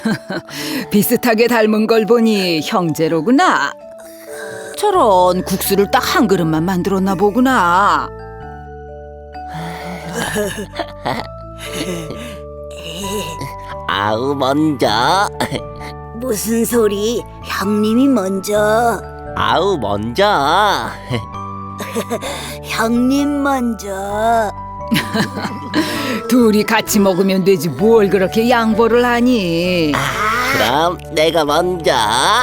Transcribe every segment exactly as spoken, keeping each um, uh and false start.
비슷하게 닮은 걸 보니 형제로구나. 저런 국수를 딱 한 그릇만 만들었나 보구나. 아우 먼저. 무슨 소리? 형님이 먼저. 아우 먼저. 형님 먼저. 둘이 같이 먹으면 되지 뭘 그렇게 양보를 하니. 그럼 내가 먼저.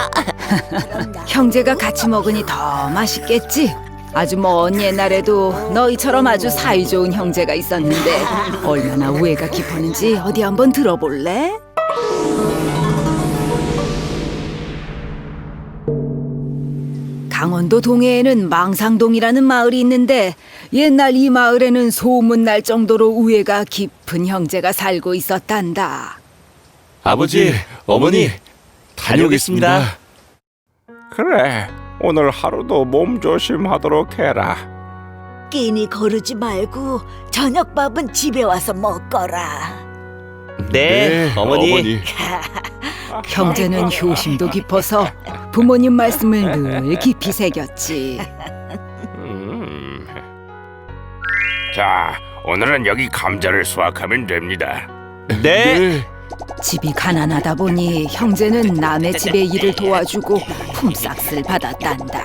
형제가 같이 먹으니 더 맛있겠지. 아주 먼 옛날에도 너희처럼 아주 사이좋은 형제가 있었는데 얼마나 우애가 깊었는지 어디 한번 들어볼래? 강원도 동해에는 망상동이라는 마을이 있는데 옛날 이 마을에는 소문날 정도로 우애가 깊은 형제가 살고 있었단다. 아버지, 어머니, 다녀오겠습니다. 그래, 오늘 하루도 몸 조심하도록 해라. 끼니 거르지 말고 저녁밥은 집에 와서 먹거라. 네, 어머니. 형제는 효심도 깊어서 부모님 말씀을 늘 깊이 새겼지. 음. 자, 오늘은 여기 감자를 수확하면 됩니다. 네. 집이 가난하다 보니 형제는 남의 집의 일을 도와주고 품삯을 받았단다.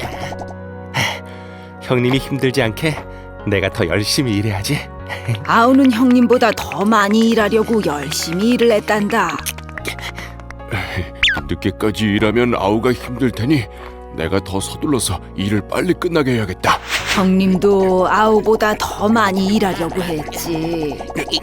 형님이 힘들지 않게 내가 더 열심히 일해야지. 아우는 형님보다 더 많이 일하려고 열심히 일을 했단다. 늦게까지 일하면 아우가 힘들 테니 내가 더 서둘러서 일을 빨리 끝나게 해야겠다. 형님도 아우보다 더 많이 일하려고 했지.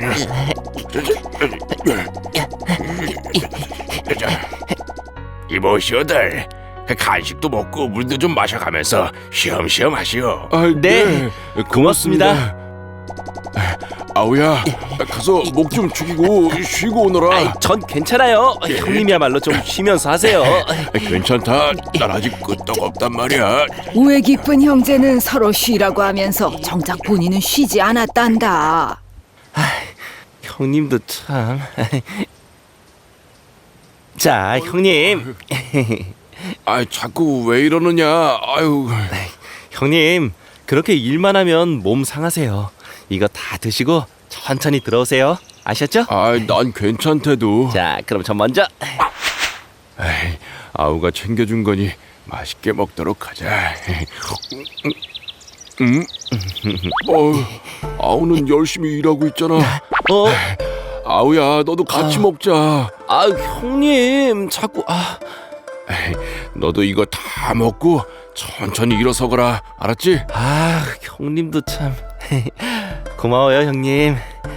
이보시오들, 간식도 먹고 물도 좀 마셔가면서 쉬엄쉬엄 하시오. 아, 네, 고맙습니다. 아우야, 가서 목 좀 죽이고 쉬고 오너라. 아이, 전 괜찮아요. 형님이야말로 좀 쉬면서 하세요. 괜찮다. 난 아직 끄떡없단 말이야. 우애 깊은 형제는 서로 쉬라고 하면서 정작 본인은 쉬지 않았단다. 형님도 참. 자, 형님. 아, 자꾸 왜 이러느냐. 아유. 형님, 그렇게 일만 하면 몸 상하세요. 이거 다 드시고 천천히 들어오세요. 아셨죠? 아, 난 괜찮대도. 자, 그럼 전 먼저. 에이, 아우가 챙겨준 거니 맛있게 먹도록 하자. 음? 어, 아우는 열심히 일하고 있잖아. 어? 아우야, 너도 같이 아. 먹자. 아, 형님, 자꾸 아. 에이, 너도 이거 다 먹고 천천히 일어서거라. 알았지? 아, 형님도 참. 고마워요, 형님.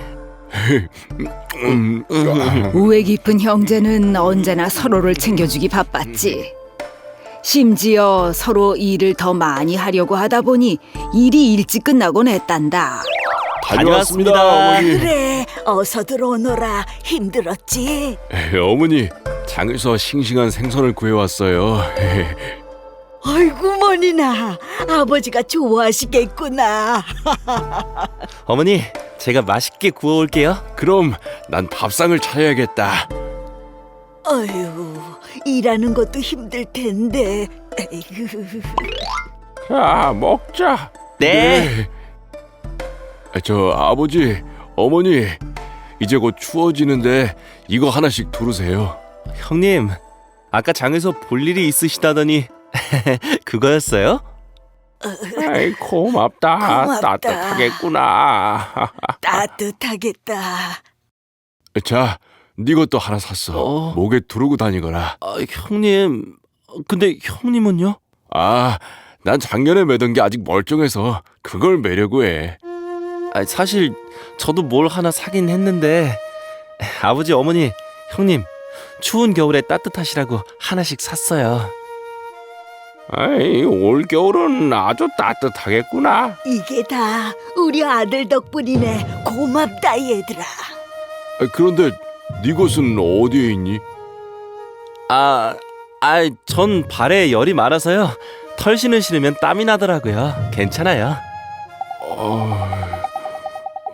음, 우애 깊은 형제는 언제나 서로를 챙겨주기 바빴지. 심지어 서로 일을 더 많이 하려고 하다 보니 일이 일찍 끝나곤 했단다. 다녀왔습니다, 다녀왔습니다. 어머니. 그래, 어서 들어오너라. 힘들었지? 에이, 어머니, 장에서 싱싱한 생선을 구해왔어요. 아이고 머니나, 아버지가 좋아하시겠구나. 어머니, 제가 맛있게 구워올게요. 그럼 난 밥상을 차려야겠다. 어휴, 일하는 것도 힘들 텐데. 에이구. 자, 먹자. 네. 아, 저 아버지, 어머니, 이제 곧 추워지는데 이거 하나씩 두르세요. 형님, 아까 장에서 볼 일이 있으시다더니 그거였어요? 아이, 고맙다. 고맙다. 따뜻하겠구나. 따뜻하겠다. 자, 네 것도 하나 샀어. 어. 목에 두르고 다니거라. 아, 형님, 근데 형님은요? 아, 난 작년에 매던 게 아직 멀쩡해서 그걸 매려고 해. 아, 사실 저도 뭘 하나 사긴 했는데 아버지, 어머니, 형님, 추운 겨울에 따뜻하시라고 하나씩 샀어요. 아이, 올 겨울은 아주 따뜻하겠구나. 이게 다 우리 아들 덕분이네. 고맙다 얘들아. 아, 그런데 네 것은 어디에 있니? 아, 아, 전 발에 열이 많아서요. 털신을 신으면 땀이 나더라고요. 괜찮아요. 어...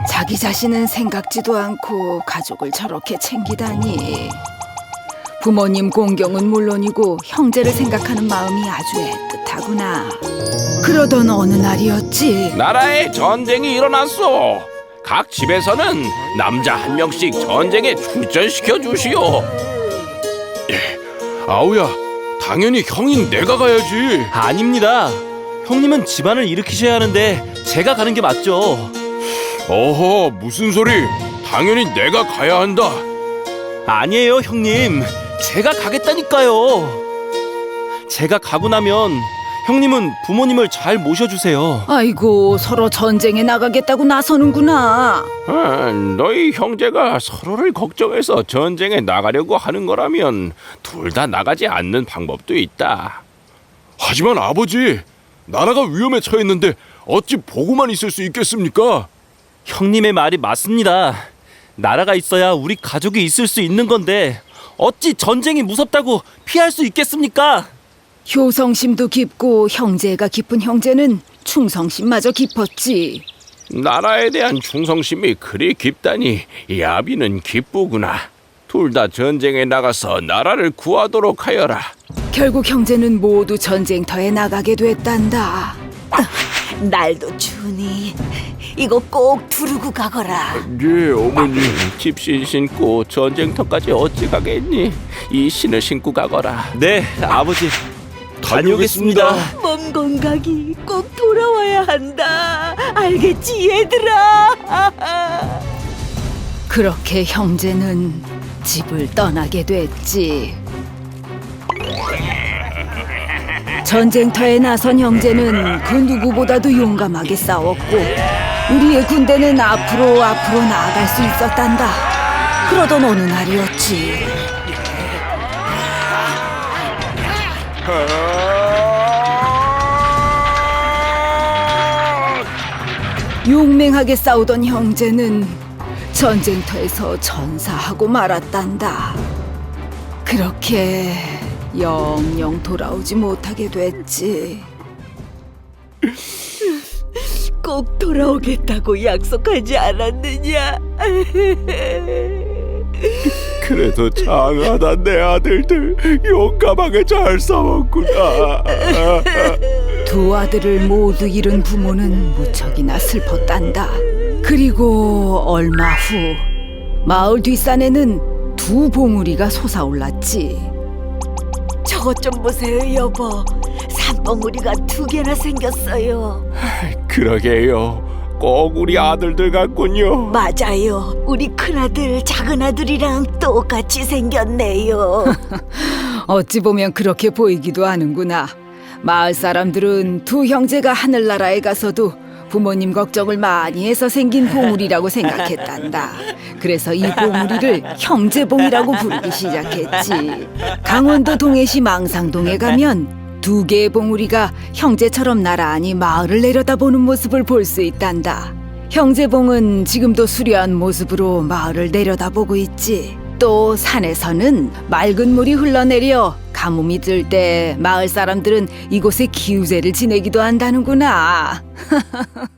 자기 자신은 생각지도 않고 가족을 저렇게 챙기다니. 부모님 공경은 물론이고 형제를 생각하는 마음이 아주 애틋하구나. 그러던 어느 날이었지. 나라에 전쟁이 일어났어. 각 집에서는 남자 한 명씩 전쟁에 출전시켜 주시오. 아우야, 당연히 형인 내가 가야지. 아닙니다. 형님은 집안을 일으키셔야 하는데 제가 가는 게 맞죠. 어허, 무슨 소리? 당연히 내가 가야 한다. 아니에요, 형님. 제가 가겠다니까요. 제가 가고 나면 형님은 부모님을 잘 모셔주세요. 아이고, 서로 전쟁에 나가겠다고 나서는구나. 아, 너희 형제가 서로를 걱정해서 전쟁에 나가려고 하는 거라면 둘 다 나가지 않는 방법도 있다. 하지만 아버지, 나라가 위험에 처했는데 어찌 보고만 있을 수 있겠습니까? 형님의 말이 맞습니다. 나라가 있어야 우리 가족이 있을 수 있는 건데 어찌 전쟁이 무섭다고 피할 수 있겠습니까? 효성심도 깊고 형제가 깊은 형제는 충성심마저 깊었지. 나라에 대한 충성심이 그리 깊다니 이 아비는 기쁘구나. 둘 다 전쟁에 나가서 나라를 구하도록 하여라. 결국 형제는 모두 전쟁터에 나가게 됐단다. 날도 추우니 이거 꼭 두르고 가거라. 예, 어머니. 집신 신고 전쟁터까지 어찌 가겠니? 이 신을 신고 가거라. 네, 아버지. 다녀오겠습니다. 몸 건강이 꼭 돌아와야 한다. 알겠지, 얘들아? 그렇게 형제는 집을 떠나게 됐지. 전쟁터에 나선 형제는 그 누구보다도 용감하게 싸웠고 우리의 군대는 앞으로 앞으로 나아갈 수 있었단다. 그러던 어느 날이었지. 용맹하게 싸우던 형제는 전쟁터에서 전사하고 말았단다. 그렇게 영영 돌아오지 못하게 됐지. 꼭 돌아오겠다고 약속하지 않았느냐? 그래도 장하다 내 아들들 용감하게 잘 싸웠구나. 두 아들을 모두 잃은 부모는 무척이나 슬펐단다. 그리고 얼마 후 마을 뒷산에는 두 봉우리가 솟아올랐지. 저것 좀 보세요, 여보. 산봉우리가 두 개나 생겼어요. 그러게요. 꼭 우리 아들들 같군요. 맞아요. 우리 큰아들, 작은아들이랑 똑같이 생겼네요. 어찌 보면 그렇게 보이기도 하는구나. 마을 사람들은 두 형제가 하늘나라에 가서도 부모님 걱정을 많이 해서 생긴 봉우리라고 생각했단다. 그래서 이 봉우리를 형제봉이라고 부르기 시작했지. 강원도 동해시 망상동에 가면 두 개의 봉우리가 형제처럼 나란히 마을을 내려다보는 모습을 볼 수 있단다. 형제봉은 지금도 수려한 모습으로 마을을 내려다보고 있지. 또 산에서는 맑은 물이 흘러내려 가뭄이 들 때 마을 사람들은 이곳에 기우제를 지내기도 한다는구나.